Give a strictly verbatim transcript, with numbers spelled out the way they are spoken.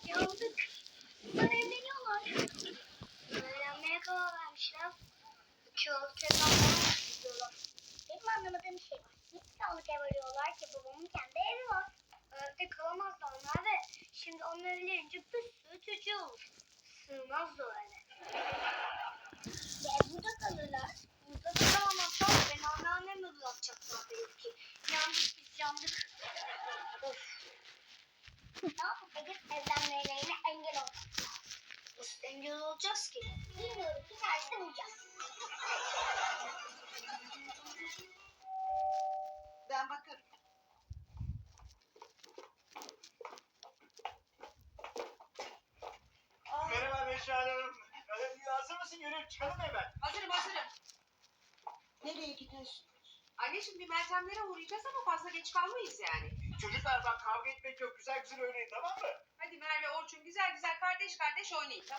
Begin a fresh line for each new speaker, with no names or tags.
Yandık. Bunlar evleniyorlar. Evlenmeye karar vermişler. İki yıl tekrardan istiyorlar. Benim anlamadığım şey var. Niye sağlık ev arıyorlar ki babamın kendi evi var. Evde kalamazlar onlar ve şimdi onlar evlenince bir sürü çocuğu olur. Sığmaz da o eve. Ve burada kalırlar. Burada da kalamazlar. Beni anneannemle bırakacaklar belki. Yandık biz yandık. Of. Ne yapıp edip evlenmelerine engel olacağız. Nasıl engel olacağız ki? Bilmiyorum. Bir tanesini bulacağız.
Ben bakarım. Aa,
Merhaba Neşe Hanım. Ee, hazır mısın? Yürü çıkalım hemen.
hazırım hazırım. Nereye gidiyorsun?
Anneciğim bir Meltemlere uğrayacağız ama fazla geç kalmayız yani.
Çocuklar bak kavga etmek yok. Güzel güzel oynayın tamam mı?
Hadi Merve, Orçun güzel güzel kardeş kardeş oynayın, tamam